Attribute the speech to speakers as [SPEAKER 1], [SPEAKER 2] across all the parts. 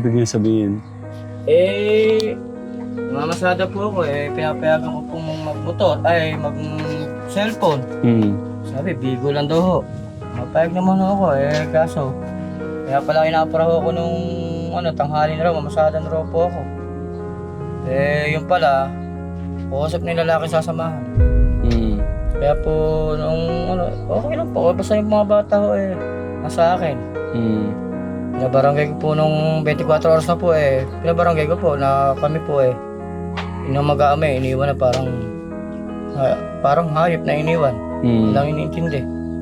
[SPEAKER 1] ibig niya sabihin?
[SPEAKER 2] Mamasada po ako pinapayagan ko pong magmotor, mag-cellphone. Sabi, bigo lang daw ho. Mapayag naman ako kaso. Kaya pala inaparaho ko nung tanghali na raw, mamasada na raw po ako. Yun pala, puusap na yung lalaki sasamahan. Kaya po, okay lang po. Basta yung mga bata ho nasa akin. Pinabarangay ko po nung 24 oras na po pinabarangay ko po na kami po yung mag-aamay, iniwan na parang hayop na iniwan. Walang iniintindi.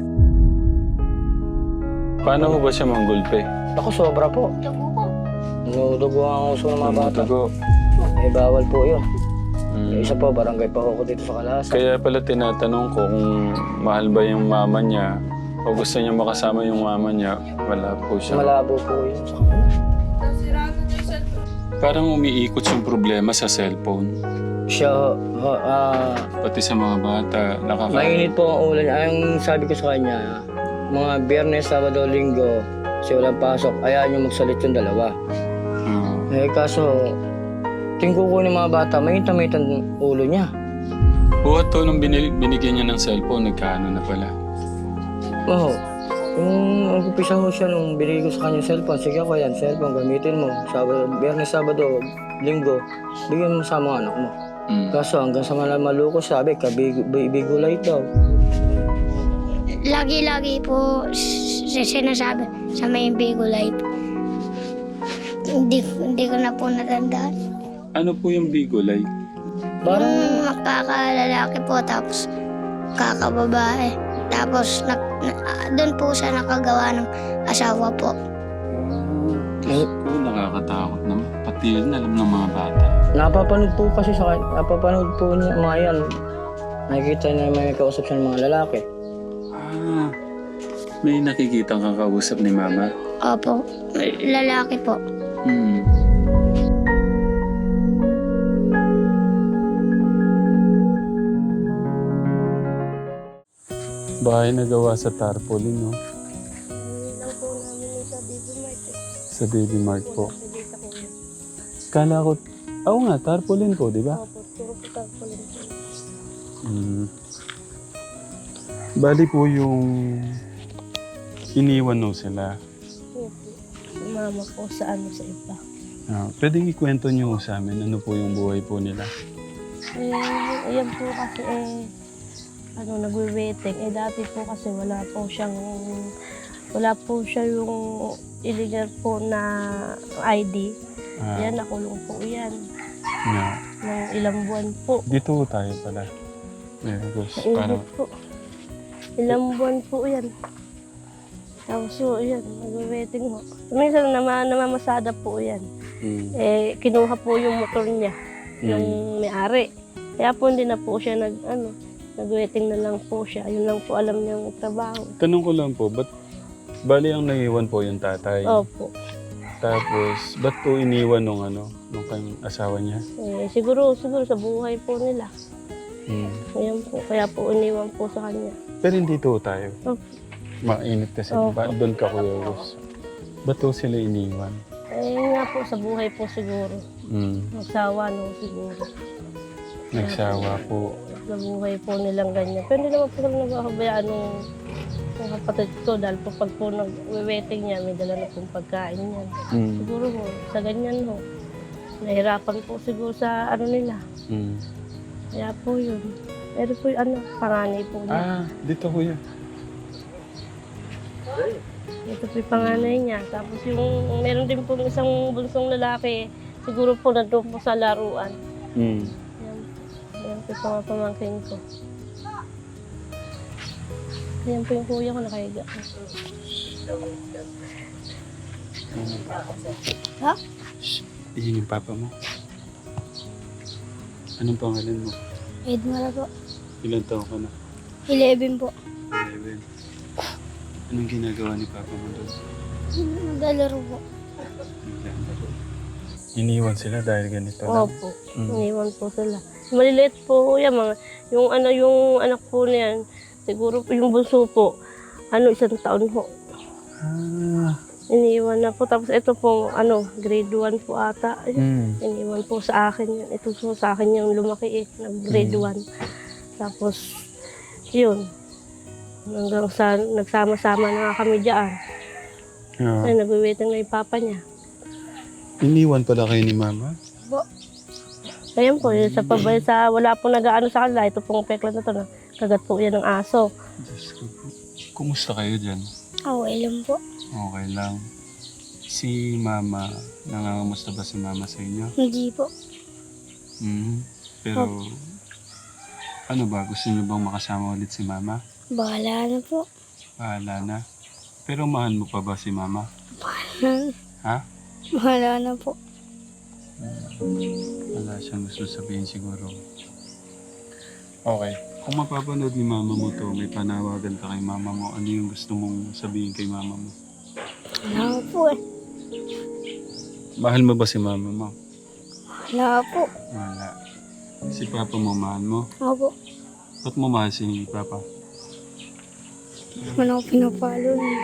[SPEAKER 1] Paano mo ba siya manggulpe?
[SPEAKER 2] Ako, sobra po. Nudugo ang uso ng mga bata.
[SPEAKER 1] Dugo.
[SPEAKER 2] Bawal po yun. Isa po, barangay pa ako dito sa Kalasa.
[SPEAKER 1] Kaya pala tinatanong ko kung mahal ba yung mama niya o gusto niya makasama yung mama niya. Wala po siya.
[SPEAKER 2] Malabo po yun sa kanila.
[SPEAKER 1] Parang umiikot yung problema sa cellphone.
[SPEAKER 2] Siya,
[SPEAKER 1] Pati sa mga bata,
[SPEAKER 2] mainit po ang ulan. Ang sabi ko sa kanya, mga Biyernes, Sabado, Linggo, kasi walang pasok, ayaw niyo magsalit yung dalawa. Kaso, tingin ko ng mga bata, mainit ang ulo niya.
[SPEAKER 1] Buhat to nung binigyan niya ng cellphone, nagkaano na pala.
[SPEAKER 2] Oo. Yung nag-upisa ho siya nung binigay ko sa kanya cellphone, sige ako yan, cellphone, gamitin mo. Biyernes, Sabado, Linggo, bigyan mo sa mga anak mo. Kaso hanggang sa malukos sabi, kabigulay daw.
[SPEAKER 3] Lagi-lagi po sinasabi sa may Bigo Life. Hindi ko na po natandaan.
[SPEAKER 1] Ano po yung bigolay?
[SPEAKER 3] Yung kakalalaki po tapos kakababae. Tapos doon po siya nakagawa ng asawa po.
[SPEAKER 1] Nakakatakot naman. Pati yun alam ng mga bata.
[SPEAKER 2] Napapanood po kasi napapanood po niya mga yan. Nakikita niya may kausap siya ng mga lalaki.
[SPEAKER 1] May nakikita kang kakausap ni mama?
[SPEAKER 3] Opo, lalaki po.
[SPEAKER 1] Bahay na gawa sa tarpaulin, no? Sa Baby Mart po. Kala ko, nga, tarpaulin po, di ba?
[SPEAKER 3] Opo, puro po tarpaulin po.
[SPEAKER 1] Bali po yung iniwan no sila.
[SPEAKER 3] Opo, mama po sa iba.
[SPEAKER 1] Pwedeng ikwento niyo sa amin ano po yung buhay po nila?
[SPEAKER 3] Ayan po kasi nagwe-waiting. Dati po kasi wala po siya yung illegal po na ID. Yan, nakulong po yan. Ng ilang buwan po.
[SPEAKER 1] Dito tayo pala.
[SPEAKER 3] Nainggit po. Ilang buwan po yan. Tapos yan, nagwe-waiting ho. Minsan namamasada po yan. Kinuha po yung motor niya, yung may-ari. Kaya po hindi na po siya nag-waiting na lang po siya. Yun lang po alam niyang trabaho.
[SPEAKER 1] Tanong ko lang po, bali ang naiwan po yung tatay?
[SPEAKER 3] Opo.
[SPEAKER 1] Tapos, ba't po iniwan nung kanyang asawa niya?
[SPEAKER 3] Siguro sa buhay po nila. Ayan po, kaya po iniwan po sa kanya.
[SPEAKER 1] Pero hindi to tayo.
[SPEAKER 3] Opo.
[SPEAKER 1] Mainit kasi. Doon ka, Kuya Gus. Ba't to sila iniwan?
[SPEAKER 3] Nga po, sa buhay po siguro. Nagsawa siguro.
[SPEAKER 1] Nagsawa po.
[SPEAKER 3] Sa buhay po nilang ganyan. Pero hindi naman po kami nagkakabayaan ng kapatid ko dahil po pag po nag-waiting niya, may dala na pong pagkain niya. Siguro ho, sa ganyan ho. Nahirapan po siguro sa nila. Kaya po yun. Pero po yung panganay po niya.
[SPEAKER 1] Dito Kuya.
[SPEAKER 3] Ito po yung panganay niya. Tapos yung meron din po isang bunsong lalaki, siguro po nandun po sa laruan. Yan po yung mga pamangkin ko. Yan po yung kuya ko nakahiga. Ha?
[SPEAKER 1] Iyan yung papa mo. Anong pangalan mo?
[SPEAKER 3] Edmara po.
[SPEAKER 1] Ilan taon ka na?
[SPEAKER 3] 11 po.
[SPEAKER 1] 11. Anong ginagawa ni papa mo doon?
[SPEAKER 3] Naglalaro po.
[SPEAKER 1] Naglalaro. Iniwan sila dahil ganito lang?
[SPEAKER 3] Opo. Iniwan po sila. Maliliit po yan. Yung anak po niyan, siguro po yung bunso po, 1 taon po. Iniwan na po. Tapos ito po, grade 1 po ata. Iniwan po sa akin yun. Ito po sa akin yung lumaki grade 1. Tapos, yun. Hanggang sa nagsama-sama na kami dyan. Ay, nagwiwaiting na yung papa niya.
[SPEAKER 1] Iniwan pala kayo ni Mama?
[SPEAKER 3] Ayun po, yun, wala pong nag-aano sa kanila. Ito pong pekla na to na kagat po yan ng aso.
[SPEAKER 1] Diyos ko po. Kumusta kayo dyan?
[SPEAKER 3] Okay lang po.
[SPEAKER 1] Okay lang. Si Mama, nangangamusta ba si Mama sa inyo?
[SPEAKER 3] Hindi po.
[SPEAKER 1] Pero, ano ba? Gusto niyo bang makasama ulit si Mama?
[SPEAKER 3] Bahala na po.
[SPEAKER 1] Bahala na. Pero mahal mo pa ba si Mama? Ha?
[SPEAKER 3] Bahala na po.
[SPEAKER 1] Wala siyang gusto sabihin siguro. Okay. Kung mapapanood ni Mama mo to, may panawagan ka kay Mama mo, ano yung gusto mong sabihin kay Mama mo?
[SPEAKER 3] Wala po eh.
[SPEAKER 1] Mahal mo ba si Mama mo?
[SPEAKER 3] Wala po.
[SPEAKER 1] Wala. Si Papa mo, mahal mo?
[SPEAKER 3] Opo.
[SPEAKER 1] Ba't mo mahal si Papa?
[SPEAKER 3] Wala ko pinapalo niya.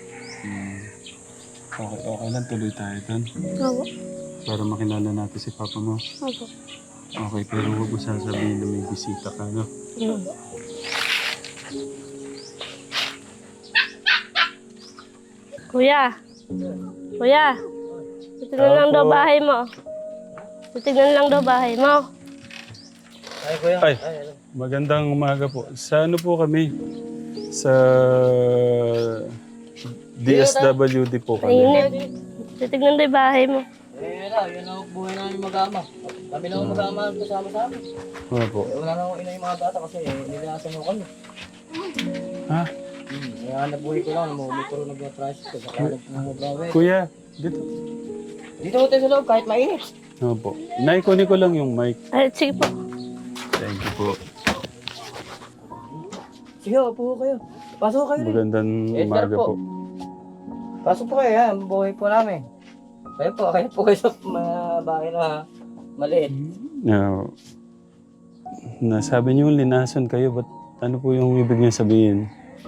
[SPEAKER 1] Okay lang, tuloy tayo doon.
[SPEAKER 3] Opo.
[SPEAKER 1] Para makilala natin si Papa mo.
[SPEAKER 3] Opo.
[SPEAKER 1] Okay, pero huwag mo sasabihin na may bisita ka, no?
[SPEAKER 3] Kuya! Kuya! Titignan lang daw bahay mo. Titignan lang daw bahay mo.
[SPEAKER 2] Ay, kuya.
[SPEAKER 1] Ay, magandang umaga po. Sa ano po kami? Sa DSWD po kami.
[SPEAKER 3] Mainit. Titignan daw yung bahay mo.
[SPEAKER 2] Yun ang buhay namin mag-ama. Kami lang ang mag-ama kasama sa amin.
[SPEAKER 1] Ano po?
[SPEAKER 2] Wala na akong ina yung mga bata kasi nilalasan mo kami.
[SPEAKER 1] Ha?
[SPEAKER 2] Kaya nabuhay ko lang, puro nag-tricycle. Saka nag-brawe.
[SPEAKER 1] Kuya, dito.
[SPEAKER 2] Dito ko tayo sa loob kahit mainit.
[SPEAKER 1] Ano po? Nay, kunin ko lang yung mic.
[SPEAKER 3] Ay, sige po.
[SPEAKER 1] Thank you po.
[SPEAKER 2] Sige, upo kayo. Pasok kayo rin.
[SPEAKER 1] Magandang
[SPEAKER 2] Edgar
[SPEAKER 1] umaga
[SPEAKER 2] po.
[SPEAKER 1] po.
[SPEAKER 2] Pasok po kayo, yan. Buhay po namin. Kayo po kayo sa mga bahay na maliit.
[SPEAKER 1] Nasabi niyo linason kayo, ba't ano po yung ibig niyo sabihin?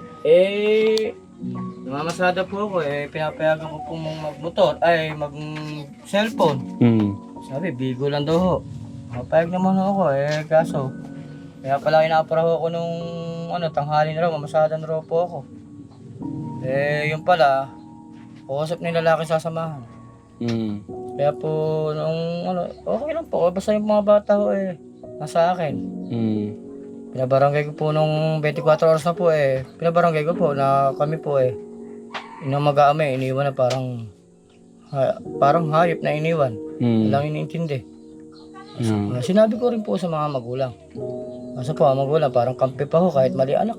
[SPEAKER 2] Namamasada po ako pinapayagan ko pong magmotor, mag-cellphone. Sabi, bigo lang daw ho. Mapayag naman ako kaso. Kaya pala inapara ako nung tanghali na raw, mamasada na raw po ako. Yun pala, kausap na yung lalaki sasamahan. Kaya po, okay lang po. Basta yung mga bata ko nasa akin. Pinabarangay ko po nung 24 oras na po pinabarangay ko po na kami po inang mag-aamay, iniwan na parang hayop na iniwan. Walang iniintindi. Sinabi ko rin po sa mga magulang. Kasi po, ang magulang parang kampi pa ho kahit mali anak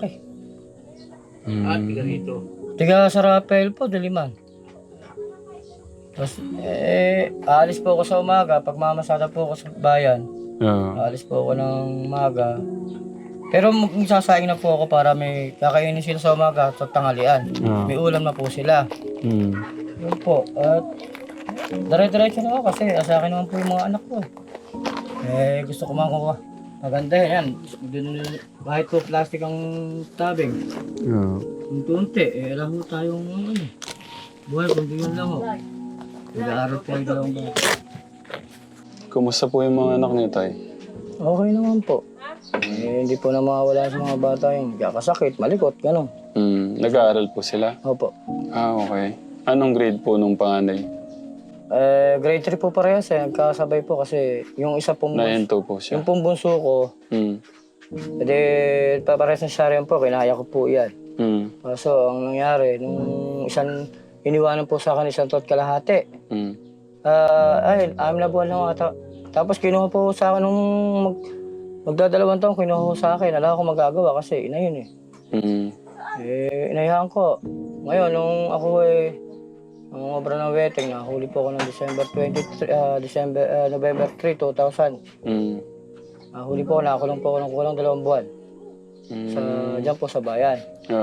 [SPEAKER 2] tiga rito? Tiga sa Rafael po, Diliman. Tapos, aalis po ako sa umaga. Pag mamasada po ako sa bayan, aalis po ako ng umaga. Pero magsasaing na po ako para may kakainin sila sa umaga at sa tanghalian. May ulam na po sila. Yun po. At dire-diretso na ako kasi sa akin naman po yung mga anak ko. Gusto ko mga maganda yan. Kahit po plastic ang tabing. Unti-unti. Alam mo tayong buhay kundi yun lang ho. Nag-aaral po yung dalawang bata.
[SPEAKER 1] Kumusta po yung mga anak niyo, Tay?
[SPEAKER 2] Okay naman po. Hindi po na mawawala sa mga bata yung kakasakit, malikot, gano'n.
[SPEAKER 1] Nag-aaral po sila?
[SPEAKER 2] Opo.
[SPEAKER 1] Okay. Anong grade po nung panganay?
[SPEAKER 2] Grade 3 po parehas nagkasabay po kasi yung isa pong
[SPEAKER 1] Nahinto po siya.
[SPEAKER 2] yung pong bunso ko, paparehas na siya rin po, kinaya ko po yan. So, ang nangyari, nung iniwanan po sa akin isang taon kalahati. Amin na buwan lang ata. Tapos kinuha po sa akin nung magdadalawang taon, kinuha po sa akin. Wala akong magagawa kasi ina yun inayahan ko. Ngayon, nung ako nung obra ng wedding, nahuli po ako ng November 3, 2000. Nahuli po ako, nakakulong po ako ng kulang 2 buwan. Diyan po sa bayan.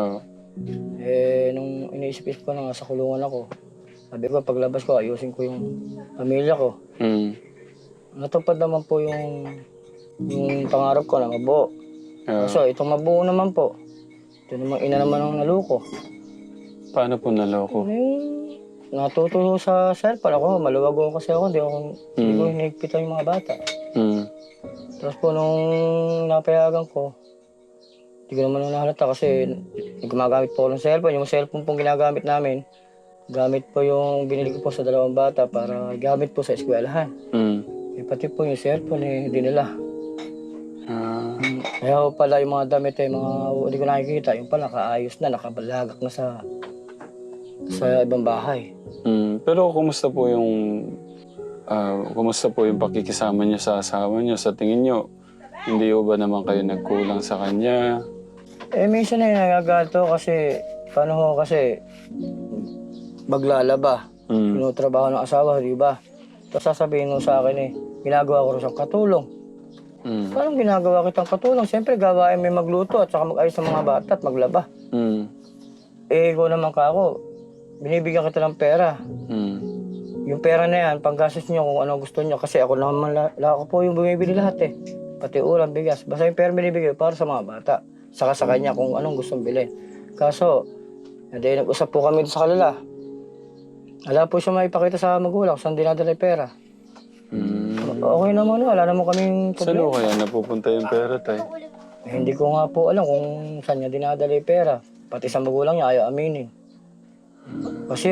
[SPEAKER 2] Nung iniisip ko na nga sa kulungan ako, sabi ko paglabas ko, ayusin ko yung pamilya ko. Natupad naman po yung pangarap ko na mabuo. So, itong mabuo naman po, ito naman ina naman ang naluko.
[SPEAKER 1] Paano po naloko?
[SPEAKER 2] natuto sa cellphone. Ako, maluwag ako kasi ako. Hindi ko hinigpitan yung mga bata. Tapos po nung napayagan ko, hindi ko naman nahalata kasi gumagamit po ako ng cellphone. Yung cellphone pong ginagamit namin, gamit po yung binili ko po sa 2 bata para gamit po sa eskwelahan. Pati po yung cellphone hindi nila. Kaya pala yung mga damit hindi ko nakikita. Yung pala nakaayos na, nakabalagak na sa ibang bahay.
[SPEAKER 1] Pero kumusta po yung pakikisama niyo sa asawa niyo? Sa tingin niyo, hindi ba naman kayo nagkulang sa kanya?
[SPEAKER 2] Minsan nagagato kasi, kasi maglalaba. Trabaho ng asawa, di ba? Tapos sasabihin mo sa akin ginagawa ko rin siyang katulong. Parang ginagawa kitang katulong. Siyempre, gawain may magluto at saka mag-ayos ng mga bata at maglaba. Ikaw naman ako, binibigyan kita ng pera. Yung pera na yan, panggastos niyo kung ano gusto niyo. Kasi ako naman, ako po yung bumibili lahat Pati ulam, bigas. Basta yung pera binibigay para sa mga bata. Saka sa kanya kung anong gustong bilhin. Kaso, nag-usap po kami sa kalala. Wala po siya maipakita sa magulang kung saan dinadala yung pera. Okay naman, wala naman kaming
[SPEAKER 1] Saan
[SPEAKER 2] problema.
[SPEAKER 1] kaya napupunta yung pera, tay?
[SPEAKER 2] Hindi ko nga po alam kung saan niya dinadala yung pera. Pati sa magulang niya ayaw aminin. Kasi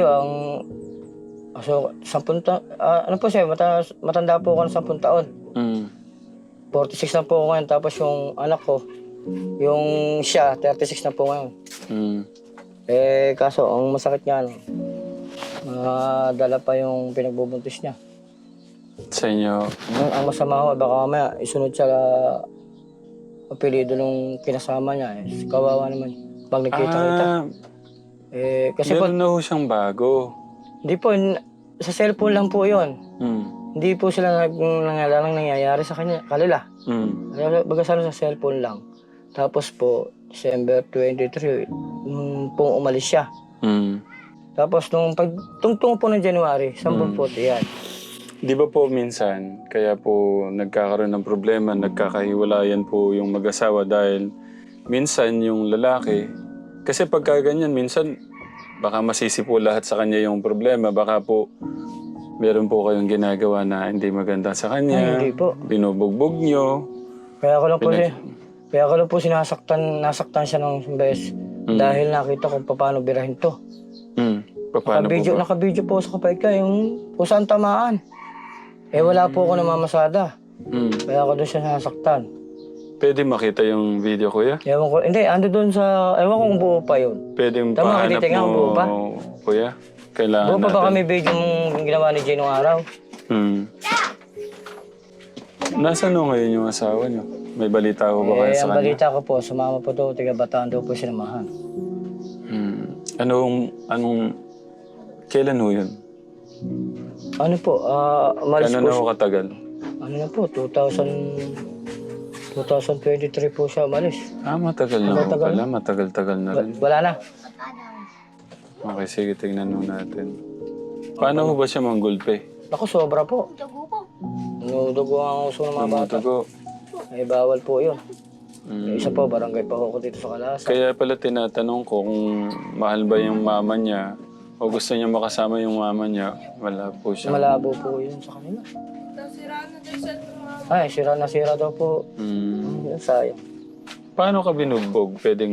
[SPEAKER 2] matanda po ako ng 10 taon. 46 na po ako ngayon, tapos yung anak ko, yung siya, 36 na po ngayon. Kaso, ang masakit niya, dala pa yung pinagbubuntis niya.
[SPEAKER 1] Sa inyo?
[SPEAKER 2] Ang masama ko, baka mamaya isunod siya apelido nung kinasama niya. Kawawa naman. Pag nagkita-kita. Kasi po,
[SPEAKER 1] meron na ho siyang bago.
[SPEAKER 2] hindi po, sa cellphone lang po yun. Hindi po sila nangyayari sa kanila. Baga sa cellphone lang. Tapos po, December 23, pong umalis siya. Tapos nung pagtungtong po ng January, 10 po yan.
[SPEAKER 1] Di ba po minsan, kaya po nagkakaroon ng problema, nagkakahiwalayan po yung mag-asawa dahil minsan yung lalaki, kasi pagka ganyan, minsan baka masisi po lahat sa kanya yung problema, baka po meron po kayong ginagawa na hindi maganda sa kanya,
[SPEAKER 2] Hindi po.
[SPEAKER 1] binubugbog nyo.
[SPEAKER 2] Kaya ko lang po nasaktan siya ng beses dahil nakita ko paano birahin to.
[SPEAKER 1] Paano po ba?
[SPEAKER 2] Naka-video po sa kapatid ka, yung kung saan tamaan. Wala po ako namamasada. Kaya ako doon siya nasaktan.
[SPEAKER 1] Pwede makita yung video, kuya?
[SPEAKER 2] Ewan ko, hindi, ando doon sa, ewan ko kung buo pa yun.
[SPEAKER 1] Pwede
[SPEAKER 2] Tama,
[SPEAKER 1] pahanap
[SPEAKER 2] titingnan
[SPEAKER 1] mo,
[SPEAKER 2] buo pa?
[SPEAKER 1] kuya? Kailangan
[SPEAKER 2] Buo pa
[SPEAKER 1] natin.
[SPEAKER 2] ba kami video yung ginawa ni Jay nung araw?
[SPEAKER 1] Nasaan ho ngayon yung asawa niyo? May balita ho ba kayo sa
[SPEAKER 2] Ang
[SPEAKER 1] kanya?
[SPEAKER 2] balita ko po, sumama po to, tiga Bataan daw po sinamahan.
[SPEAKER 1] Kailan ho yun?
[SPEAKER 2] Ano po, umalis
[SPEAKER 1] Kailan
[SPEAKER 2] po
[SPEAKER 1] na ho katagal?
[SPEAKER 2] Ano na po, 2023 po siya umalis.
[SPEAKER 1] Matagal na ho pala. Matagal-tagal na rin.
[SPEAKER 2] Wala na.
[SPEAKER 1] Okay, sige, tingnan ho natin. Paano ho ba siya manggulpe?
[SPEAKER 2] Ako, sobra po. Dugo ang uso ng mga bata.
[SPEAKER 1] Mamutugo.
[SPEAKER 2] Bawal po yun. Isa po, barangay pa ako dito sa Kalasa.
[SPEAKER 1] Kaya pala tinatanong ko kung mahal ba yung mama niya o gusto niya makasama yung mama niya. Wala po siya.
[SPEAKER 2] Malabo po yun sa kanila. Sira na sira daw po. Sayang.
[SPEAKER 1] Paano ka binugbog? Pwedeng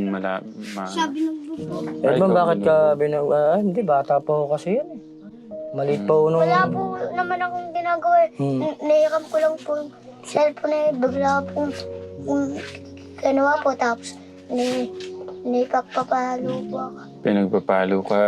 [SPEAKER 2] Bakit ka hindi, bata po ako kasi yan Maliit pa nung...
[SPEAKER 4] Wala po naman akong ginagawa. Nairam ko lang po yung cellphone bigla po ganawa po tapos nipagpapalo po ako.
[SPEAKER 1] Pinagpapalo ka.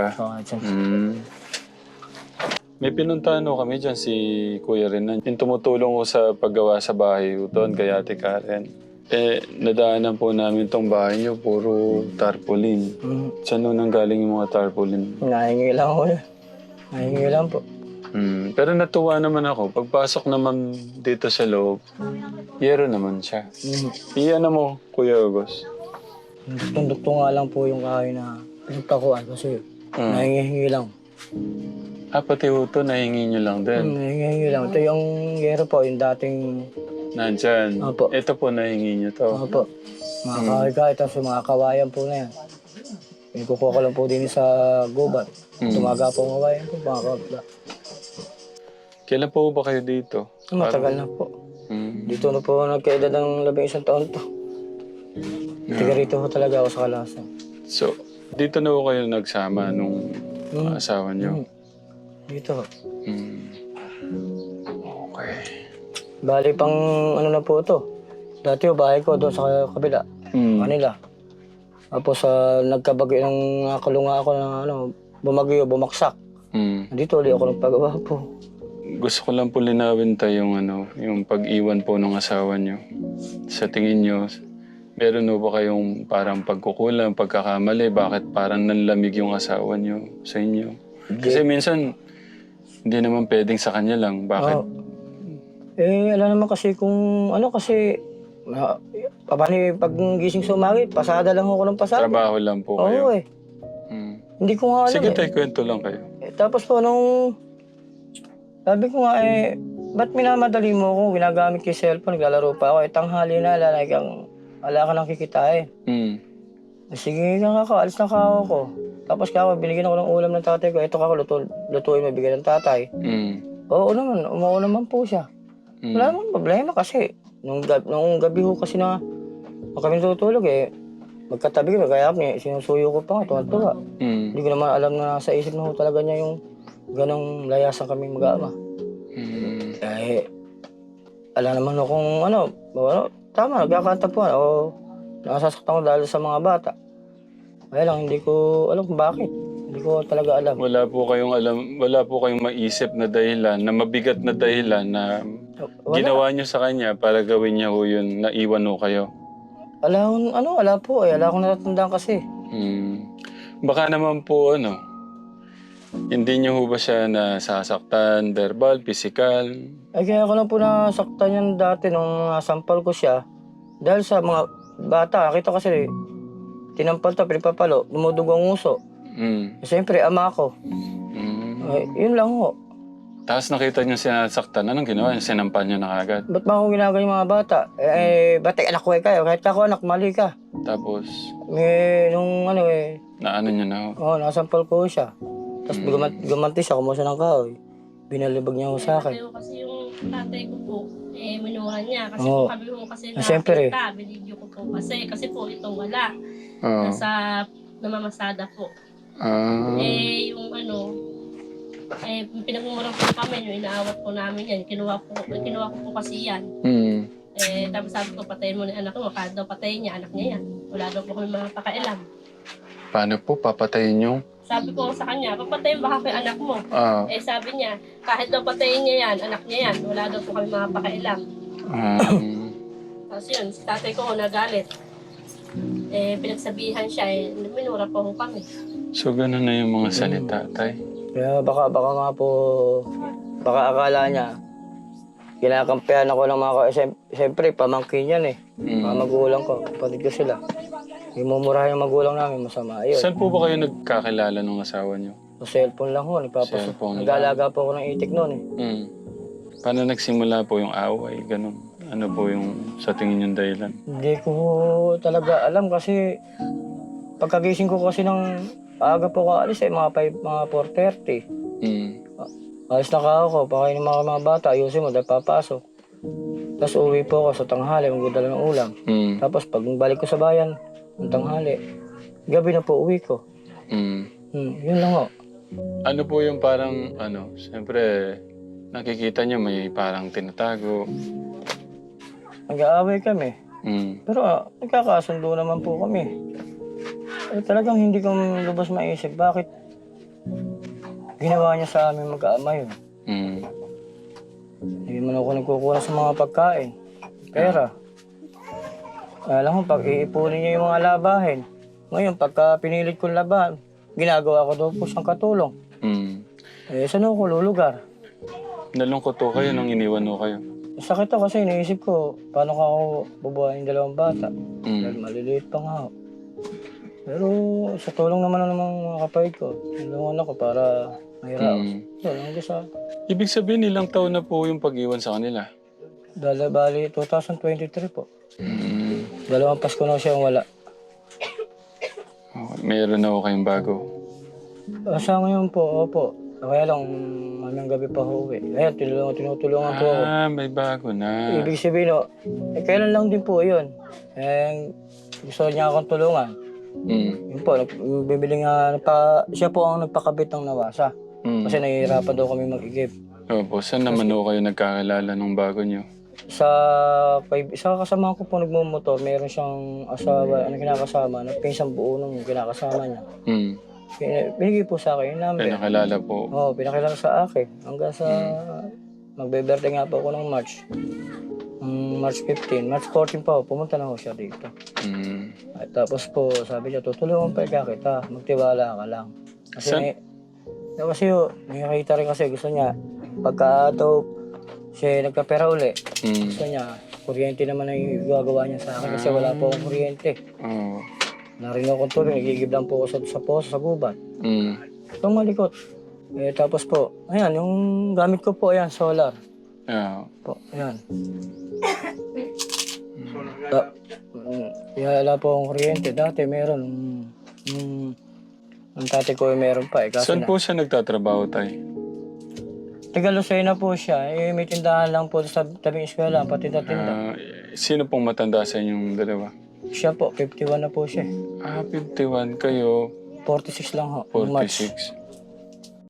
[SPEAKER 1] May pinuntahan ho kami dyan si Kuya Renan. Yung tumutulong ko sa paggawa sa bahay doon kay Ate Karen. Nadaanan po namin tong bahay niyo, puro tarpaulin. Saan ho nanggaling yung mga tarpaulin?
[SPEAKER 2] Nahingi lang ako yun. Nahingi lang po.
[SPEAKER 1] Pero natuwa naman ako. Pagpasok naman dito sa loob, yero naman siya. Iyan na mo, Kuya August.
[SPEAKER 2] Duktong-duktong nga lang po yung kahoy na pinagkakuan kasi nahingi lang.
[SPEAKER 1] Pati ito, nahingi nyo lang din.
[SPEAKER 2] Nahingi lang. Ito yung yero po, yung dating...
[SPEAKER 1] Nandyan.
[SPEAKER 2] Opo.
[SPEAKER 1] Ito po, nahingi nyo to.
[SPEAKER 2] Opo. Mga kahoy-kahoy, tapos yung mga kawayan po na yan. Kukuha ko lang po din sa gubat. Tumaga po ang kawayan po, mga kabla.
[SPEAKER 1] Kailan po ba kayo dito?
[SPEAKER 2] Matagal na po.
[SPEAKER 1] Mm.
[SPEAKER 2] Dito na po nagkaedad ng 11 taon to. Tiga rito po talaga ako sa Kalasan.
[SPEAKER 1] So, dito na po kayo nagsama nung asawa niyo?
[SPEAKER 2] Dito.
[SPEAKER 1] Mm. Okay.
[SPEAKER 2] Bali pang ano na po to. Dati yung bahay ko doon sa kabila. Manila. Tapos nagkabagyo ng nakulunga ako na bumagyo, bumaksak. Dito ulit ako nagpagawa po.
[SPEAKER 1] Gusto ko lang po linawin tayo yung pag-iwan po ng asawa niyo. Sa tingin niyo, meron ba kayong parang pagkukulang, pagkakamali? Bakit parang nanlamig yung asawa niyo sa inyo? Kasi minsan, hindi naman pwedeng sa kanya lang. Bakit?
[SPEAKER 2] Alam naman kasi kung kasi pag gising sa umaga, pasada lang ako ng pasada.
[SPEAKER 1] Trabaho lang po kayo?
[SPEAKER 2] Oo Hindi ko nga alam
[SPEAKER 1] Sige tayo, kwento lang kayo.
[SPEAKER 2] Tapos po sabi ko nga ba't minamadali mo ako? Ginagamit ko yung cellphone, naglalaro pa ako. Tanghali na, wala ka nang kikitain. Sige nga ako, alis na ako. Tapos binigyan ako ng ulam ng tatay ko. Ito lutuin mo, bigyan ng tatay. Oo naman, umuo naman po siya. Wala namang problema kasi. Nung gabi ho kasi na kami tutulog magkatabi kami, kaya sinusuyo ko pa nga, tuwa-tuwa. Hindi ko naman alam na sa isip na ho talaga niya yung ganong layasan kami mag-ama. Alam naman ho kung tama, nagkakanta po nakasasaktan ko dahil sa mga bata. Kaya lang, hindi ko alam kung bakit. Hindi ko talaga alam.
[SPEAKER 1] Wala po kayong maisip na dahilan, na mabigat na dahilan na ginawa niyo sa kanya para gawin niya ho yun, naiwan ho kayo?
[SPEAKER 2] Wala po Wala akong natatandaan kasi.
[SPEAKER 1] Baka naman po hindi niyo ho ba siya nasasaktan, verbal, physical?
[SPEAKER 2] Kaya ako lang po nasaktan yan dati nung nasampal ko siya. Dahil sa mga bata, nakita kasi tinampal to, pinapapalo, dumudugo ang uso. Siyempre, ama ko. Yun lang ho.
[SPEAKER 1] Tapos nakita niyo sinasaktan, anong ginawa niyo? Sinampal niyo na agad?
[SPEAKER 2] Ba't ba ako ginagawa yung mga bata? Ba't anak ko kayo? Kahit ako anak, mali ka.
[SPEAKER 1] Tapos?
[SPEAKER 2] Nung
[SPEAKER 1] Naano niyo na ho?
[SPEAKER 2] nasampal ko siya. Tapos gumanti siya, kumuha siya ng kahoy. Binalibag niya ho sa akin.
[SPEAKER 5] Kasi yung tatay ko po, minuha niya. Kasi
[SPEAKER 2] Oo.
[SPEAKER 5] kami po kasi
[SPEAKER 2] Siyempre.
[SPEAKER 5] nakita, binidyo ko po kasi. Kasi po itong wala. Nasa namamasada po. Yung pinagmumurang po kami, yung inaawat po namin yan. Kinuha ko po kasi yan. Tapos sabi ko, patayin mo na yung anak mo. Kahit daw patayin niya, anak niya yan. Wala daw po kami mga pakailam.
[SPEAKER 1] Paano po? Papatayin niyo?
[SPEAKER 5] Sabi ko sa kanya, papatayin ba kay anak mo? Sabi niya, kahit daw patayin niya yan, anak niya yan. Wala daw po kami mga pakailam. Tapos yun, si tatay ko nagalit. Pinagsabihan siya, minura po ko kami.
[SPEAKER 1] So, gano'n na yung mga salita, tay?
[SPEAKER 2] Kaya baka nga po, baka akala niya, kinakampihan ako ng mga siyempre, pamangkin yan mga magulang ko, kapatid ko sila. Imumurahan yung magulang namin, masama yun.
[SPEAKER 1] Saan po ba kayo nagkakilala ng asawa niyo?
[SPEAKER 2] Sa cellphone lang ho,
[SPEAKER 1] Cellphone lang.
[SPEAKER 2] nag-aalaga po ako ng itik noon
[SPEAKER 1] Paano nagsimula po yung away? Ganun. Ano po yung sa tingin yung dahilan?
[SPEAKER 2] Hindi ko talaga alam kasi pagkagising ko kasi ng aga po ko alis mga 4:30. Alis na ako, pakain ng mga bata, ayusin mo dahil papasok. Tapos uwi po ako sa tanghali, magdadala ng ulam. Tapos pag balik ko sa bayan, ng tanghali, gabi na po uwi ko. Yun lang ho.
[SPEAKER 1] Ano po yung parang, siyempre, nakikita niyo may parang tinatago.
[SPEAKER 2] Nag-aaway kami. Pero nagkakasundo naman po kami. Talagang hindi ko lubos maisip bakit ginawa niya sa amin mag-aama yun. Hindi man ako nagkukuha sa mga pagkain. Pera. Alam mo, pag iipunin niya yung mga labahin. Ngayon, pagka pinilit kong labahan, ginagawa ko daw po siyang katulong. Saan ako lulugar?
[SPEAKER 1] Nalungkot po kayo nung iniwan ho kayo?
[SPEAKER 2] Sakit ako kasi iniisip ko, paano ko ako bubuhayin yung 2 bata? Dahil maliliit pa nga ako. Pero sa tulong naman ng mga kapatid ko, tulungan ako para mahiraos.
[SPEAKER 1] Ibig sabihin, ilang taon na po yung pag-iwan sa kanila?
[SPEAKER 2] Bali, 2023 po. 2 Pasko na siyang wala.
[SPEAKER 1] Okay. Meron na ako kayong bago.
[SPEAKER 2] Sa ngayon po, opo. Kaya lang, mamayang gabi pa ho eh. Ayan, tinutulungan po ako.
[SPEAKER 1] May bago na.
[SPEAKER 2] Ibig sabihin, kailan lang din po yun. Gusto niya akong tulungan. Yun po, bibili nga, siya po ang nagpakabit ng nawasa. Kasi nahihirapan daw kami mag-igib.
[SPEAKER 1] Opo, saan naman ho kayo nagkakilala nung bago nyo?
[SPEAKER 2] Sa kasama ko po nagmumotor, meron siyang asawa, kinakasama, nagpinsang buo nung kinakasama niya. Binigay po sa akin yung number.
[SPEAKER 1] Pinakilala po.
[SPEAKER 2] Oo, pinakilala sa akin. Hanggang sa magbe-birthday nga po ako ng March. March 15. March 14 pa ako, pumunta na ako siya dito. At tapos po, sabi niya, tutulungan pa kita, magtiwala ka lang. Kasi nakikita rin kasi gusto niya, pagka daw siya nagkapera uli, gusto niya, kuryente naman ang gagawa niya sa akin kasi wala po akong kuryente. Narinig akong tuloy, nagigib lang po ako sa poso, sa gubat. Itong malikot. Tapos po, ayan, yung gamit ko po, ayan, solar. Po, ayan. Wala po akong kuryente. Dati meron. Ang tatay ko meron pa.
[SPEAKER 1] Saan po siya nagtatrabaho, tay?
[SPEAKER 2] Taga Lucena po siya. May tindahan lang po sa tabing eskwela, patinda-tinda.
[SPEAKER 1] Sino pong matanda sa inyong dalawa?
[SPEAKER 2] Siya po, 51 na po siya.
[SPEAKER 1] 51 kayo.
[SPEAKER 2] 46 lang ho. March.
[SPEAKER 1] 46.